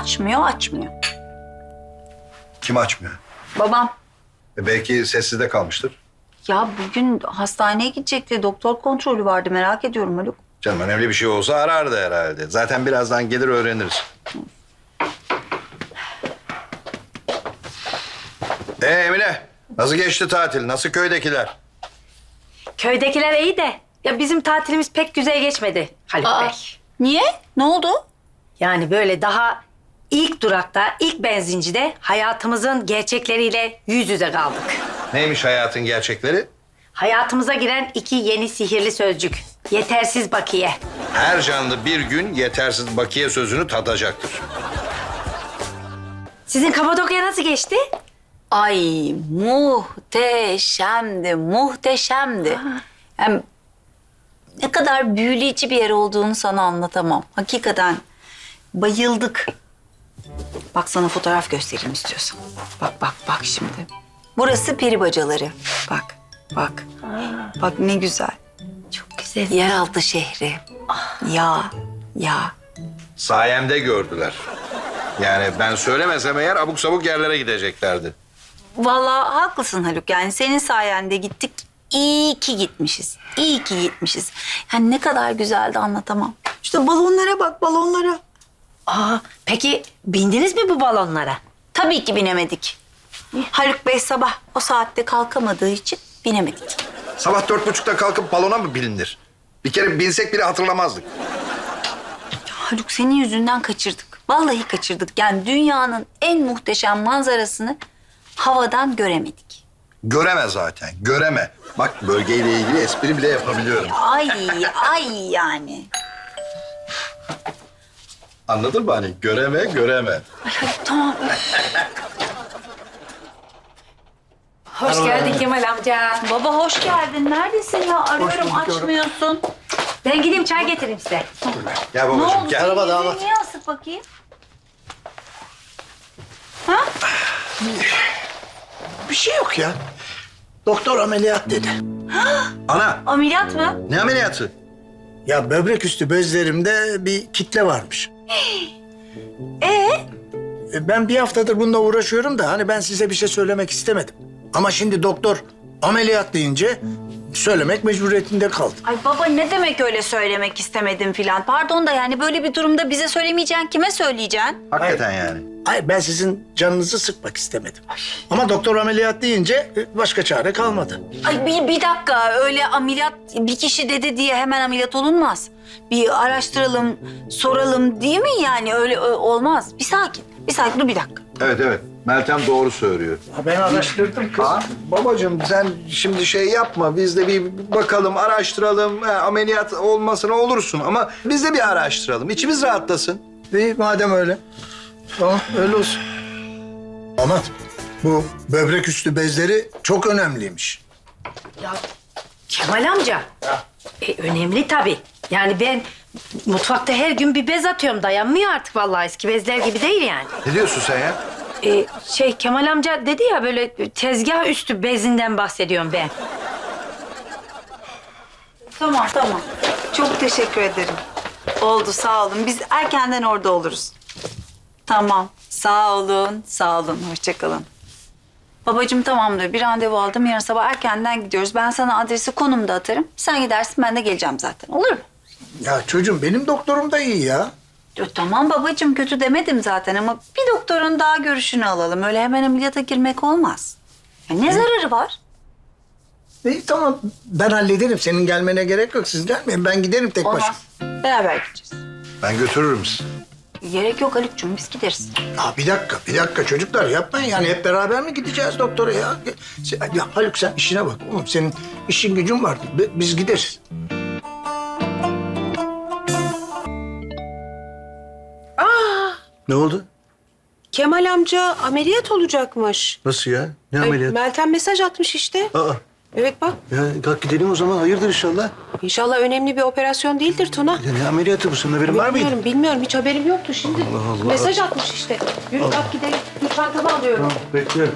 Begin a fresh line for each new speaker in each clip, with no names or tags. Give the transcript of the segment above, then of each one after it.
Açmıyor.
Kim açmıyor?
Babam.
Belki sessizde kalmıştır.
Ya bugün hastaneye gidecekti. Doktor kontrolü vardı. Merak ediyorum Haluk.
Canım önemli bir şey olsa arardı herhalde. Zaten birazdan gelir öğreniriz. Emine, nasıl geçti tatil? Nasıl köydekiler?
Köydekiler iyi de ya bizim tatilimiz pek güzel geçmedi Haluk Bey.
Niye? Ne oldu?
Yani böyle daha ilk durakta, ilk benzincide hayatımızın gerçekleriyle yüz yüze kaldık.
Neymiş hayatın gerçekleri?
Hayatımıza giren 2 yeni sihirli sözcük. Yetersiz bakiye.
Her canlı bir gün yetersiz bakiye sözünü tadacaktır.
Sizin Kapadokya nasıl geçti?
Ay muhteşemdi. Hem ne kadar büyüleyici bir yer olduğunu sana anlatamam. Hakikaten bayıldık. Bak sana fotoğraf göstereyim istiyorsan. Bak şimdi. Burası peri bacaları. Bak. Bak ne güzel.
Çok güzel.
Yeraltı şehri. Ya.
Sayemde gördüler. Yani ben söylemesem eğer abuk sabuk yerlere gideceklerdi.
Vallahi haklısın Haluk. Yani senin sayende gittik. İyi ki gitmişiz. Yani ne kadar güzeldi anlatamam. İşte balonlara bak, balonlara.
Peki bindiniz mi bu balonlara?
Tabii ki binemedik. Haluk Bey sabah o saatte kalkamadığı için binemedik.
Sabah 4.30'da kalkıp balona mı bilinir? Bir kere binsek bile hatırlamazdık.
Haluk senin yüzünden kaçırdık. Vallahi kaçırdık. Yani dünyanın en muhteşem manzarasını havadan göremedik.
Göreme zaten, göreme. Bak bölgeyle ilgili espri bile yapabiliyorum.
Ay yani.
Anladın mı hani? Göreme.
Ay Haluk tamam.
Hoş geldin Kemal amca.
Baba hoş geldin. Neredesin ya? Arıyorum açmıyorsun.
Ben gideyim çay getireyim size.
Gel
Ne
babacığım
oldu?
gel.
Senin yüzüğü niye asık bakayım?
Bir şey yok ya. Doktor ameliyat dedi.
Ana
Ameliyat mı?
ne ameliyatı?
Ya böbrek üstü bezlerimde bir kitle varmış. Ben bir haftadır bununla uğraşıyorum da hani ben size bir şey söylemek istemedim. Ama şimdi doktor ameliyat deyince söylemek mecburiyetinde kaldım.
Ay baba ne demek öyle söylemek istemedim filan. Pardon da yani böyle bir durumda bize söylemeyeceksin, kime söyleyeceksin?
Hakikaten yani.
Hayır ben sizin canınızı sıkmak istemedim. Ama doktor ameliyat deyince başka çare kalmadı.
Ay bir dakika öyle ameliyat bir kişi dedi diye hemen ameliyat olunmaz. Bir araştıralım, soralım değil mi yani öyle olmaz. Bir sakin dur bir dakika.
Evet. Meltem doğru söylüyor.
Ha, ben araştırdım kız.
Babacığım sen şimdi şey yapma. Biz de bir bakalım, araştıralım. Ameliyat olmasına olursun ama biz de bir araştıralım. İçimiz rahatlasın.
İyi madem öyle. Tamam öyle olsun. Ama bu böbrek üstü bezleri çok önemliymiş.
Ya Kemal amca. Önemli tabii. Yani ben mutfakta her gün bir bez atıyorum. Dayanmıyor artık vallahi. Eski bezler gibi değil yani.
Ne diyorsun sen ya?
Kemal amca dedi ya böyle tezgah üstü bezinden bahsediyorum ben.
Tamam. Çok teşekkür ederim. Oldu sağ olun. Biz erkenden orada oluruz. Tamam. Sağ olun. Hoşça kalın. Babacığım tamamdır. Bir randevu aldım. Yarın sabah erkenden gidiyoruz. Ben sana adresi konumda atarım. Sen gidersin ben de geleceğim zaten. Olur mu?
Ya çocuğum benim doktorum da iyi ya.
Tamam babacığım kötü demedim zaten ama bir doktorun daha görüşünü alalım. Öyle hemen ameliyata girmek olmaz. Ya ne zararı var?
İyi tamam ben hallederim. Senin gelmene gerek yok. Siz gelmeyin. Ben giderim tek başıma.
Olmaz. Beraber gideceğiz.
Ben götürürüm sizi.
Gerek yok Haluk'cum biz gideriz.
Ya bir dakika çocuklar yapmayın yani hep beraber mi gideceğiz doktora ya? Ya Haluk sen işine bak oğlum senin işin gücün var. Biz gideriz. Ne oldu?
Kemal amca ameliyat olacakmış.
Nasıl ya? Ne ameliyat?
Meltem mesaj atmış işte.
Aa,
Evet bak.
ya kalk gidelim o zaman. Hayırdır inşallah.
İnşallah önemli bir operasyon değildir Tuna.
Ya ne ameliyatı bu? Senin haberin var mıydı?
Bilmiyorum. Hiç haberim yoktu şimdi.
Allah Allah.
Mesaj atmış işte. Yürü kalk gidelim. Dur çantamı alıyorum.
Tamam, bekliyorum.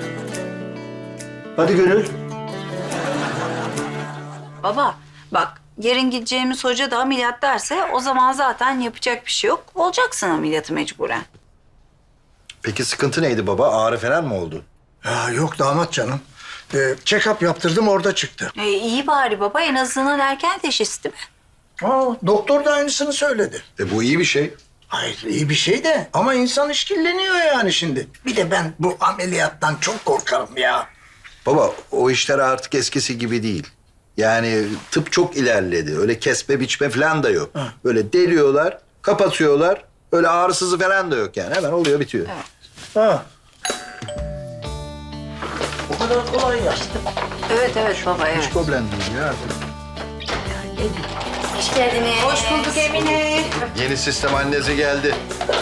Hadi Gönül.
Baba bak yarın gideceğimiz hoca da ameliyat derse o zaman zaten yapacak bir şey yok. Olacaksın ameliyatı mecburen.
Peki sıkıntı neydi baba? Ağrı falan mı oldu?
Ya yok damat canım. Check-up yaptırdım orada çıktı.
İyi bari baba, en azından erken teşhis değil mi?
Doktor da aynısını söyledi.
Bu iyi bir şey.
Hayır iyi bir şey de ama insan işkilleniyor yani şimdi. Bir de ben bu ameliyattan çok korkarım ya.
Baba o işler artık eskisi gibi değil. Yani tıp çok ilerledi. Öyle kesme biçme falan da yok. Böyle deliyorlar, kapatıyorlar. Öyle ağrısızı falan da yok yani. Hemen oluyor, bitiyor.
Ha. O kadar kolay ya.
Evet baba, evet.
Hiç problem değil ya artık.
Hoş geldiniz.
Hoş bulduk Emine.
Yeni sistem annesi geldi.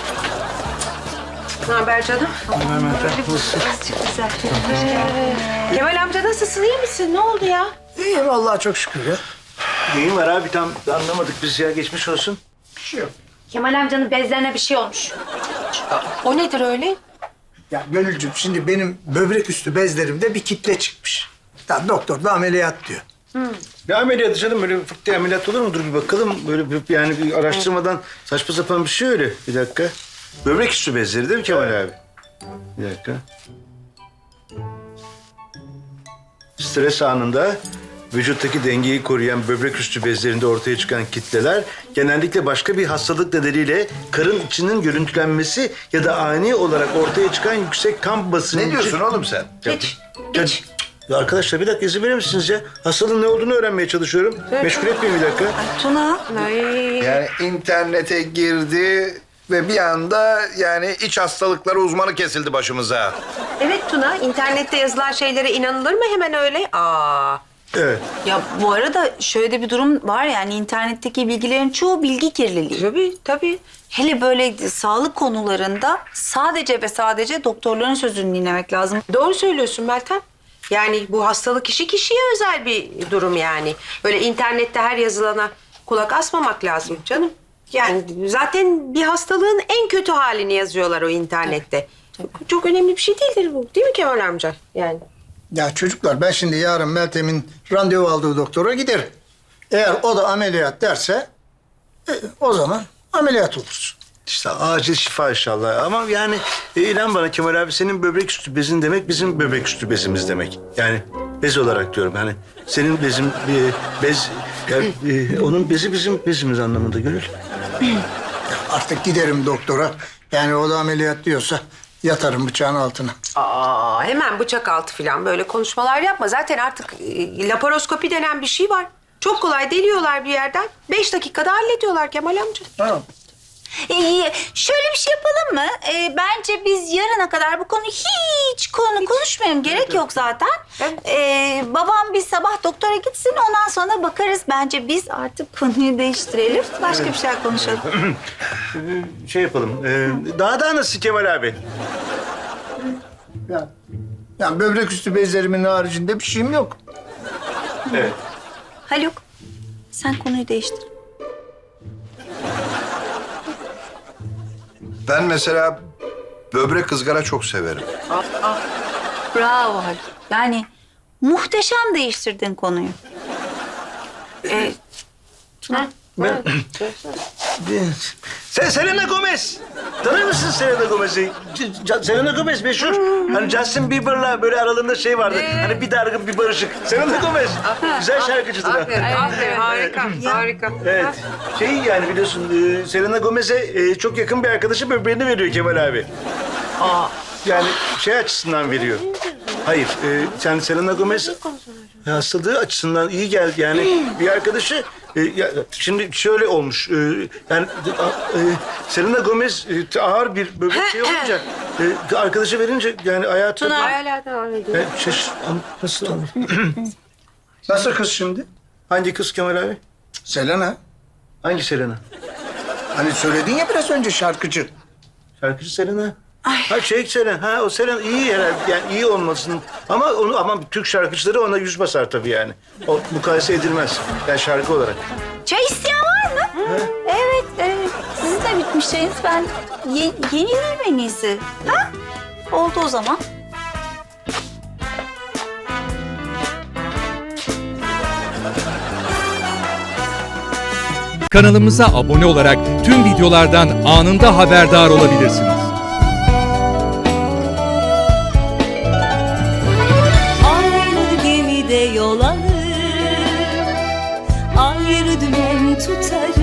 Ne haber canım?
Çok güzel.
Kemal amca nasılsın? İyi misin? Ne oldu ya?
İyiyim Allah'a çok şükür ya.
Neyin var abi tam anlamadık biz ya, geçmiş olsun.
Bir şey yok.
Kemal amcanın bezlerine bir şey olmuş.
O nedir öyle?
Ya Gönülcüm şimdi benim böbrek üstü bezlerimde bir kitle çıkmış. Ya doktor da ameliyat diyor.
Ne ameliyatı canım, böyle fık diye ameliyat olur mudur, bir bakalım. Böyle yani bir araştırmadan saçma sapan bir şey öyle. Bir dakika. Böbrek üstü bezleri değil mi Kemal abi? Bir dakika. Stres anında vücuttaki dengeyi koruyan böbrek üstü bezlerinde ortaya çıkan kitleler genellikle başka bir hastalık nedeniyle karın içinin görüntülenmesi ya da ani olarak ortaya çıkan yüksek kan basıncı...
Ne diyorsun oğlum sen?
Ya arkadaşlar bir dakika izin verir misiniz ya? Hastalığın ne olduğunu öğrenmeye çalışıyorum. Meşgul etmeyin bir dakika.
Tuna.
Yani internete girdi ve bir anda yani iç hastalıkları uzmanı kesildi başımıza.
Evet Tuna, internette yazılan şeylere inanılır mı hemen öyle?
Evet.
Ya bu arada şöyle bir durum var, yani internetteki bilgilerin çoğu bilgi kirliliği.
Tabii.
Hele böyle sağlık konularında sadece ve sadece doktorların sözünü dinlemek lazım.
Doğru söylüyorsun Meltem. Yani bu hastalık işi kişiye özel bir durum yani. Böyle internette her yazılana kulak asmamak lazım canım. Yani zaten bir hastalığın en kötü halini yazıyorlar o internette. Çok önemli bir şey değildir bu. Değil mi Kemal amca? Yani.
Ya çocuklar ben şimdi yarın Meltem'in randevu aldığı doktora giderim. Eğer o da ameliyat derse o zaman ameliyat olursun.
İşte acil şifa inşallah. Ama yani inan bana Kemal abi, senin böbrek üstü bezin demek bizim böbrek üstü bezimiz demek. Yani bez olarak diyorum. Yani senin bezin bez, yani, onun bezi bizim bezimiz anlamında Gönül.
Artık giderim doktora. Yani o da ameliyat diyorsa yatarım bıçağın altına.
Hemen bıçak altı falan böyle konuşmalar yapma. Zaten artık laparoskopi denen bir şey var. Çok kolay deliyorlar bir yerden. 5 dakikada hallediyorlar Kemal amca.
Tamam.
Şöyle bir şey yapalım mı? Bence biz yarına kadar bu konu hiç konuşmayalım. Gerek yok zaten. Babam bir sabah doktora gitsin, ondan sonra bakarız. Bence biz artık konuyu değiştirelim. Başka bir şey konuşalım.
Şey yapalım. Daha nasıl Kemal abi?
Yani böbrek üstü bezlerimin haricinde bir şeyim yok.
Evet.
Haluk, sen konuyu değiştir.
Ben mesela böbrek ızgara çok severim.
Bravo Haluk. Yani muhteşem değiştirdin konuyu.
Sen Selena Gomez. Tanır mısın Selena Gomez'i? Selena Gomez meşhur. Hani Justin Bieber'la böyle aralarında şey vardı. Hani bir dargın bir barışık. Selena Gomez. Güzel şarkıcıdır.
Aferin, harika.
Evet. Şey yani biliyorsun Selena Gomez'e çok yakın bir arkadaşı böbreğini veriyor Kemal abi. Yani şey açısından veriyor. Hayır, yani Selena Gomez hastalığı açısından iyi geldi. Yani bir arkadaşı, şimdi şöyle olmuş. Yani Selena Gomez ağır bir böbrek şey olunca, arkadaşı verince yani hayatı...
Hala devam ediyor.
Nasıl?
Nasıl kız şimdi?
Hangi kız Kemal abi?
Selena.
Hangi Selena?
Hani söyledin ya biraz önce şarkıcı.
Şarkıcı Selena. Ha şey Selena, ha o Selena iyi herhalde, yani iyi olmasının ama Türk şarkıcıları ona yüz basar tabii yani. O mukayese edilmez yani şarkı olarak.
Çay isteyen var mı? Evet. Sizin de bitmiş çayınız. Ben yenileyim en iyisi. Ha? Oldu o zaman.
Kanalımıza abone olarak tüm videolardan anında haberdar olabilirsiniz.
Aynı gemide yol alır, ayrı dümen tutarız.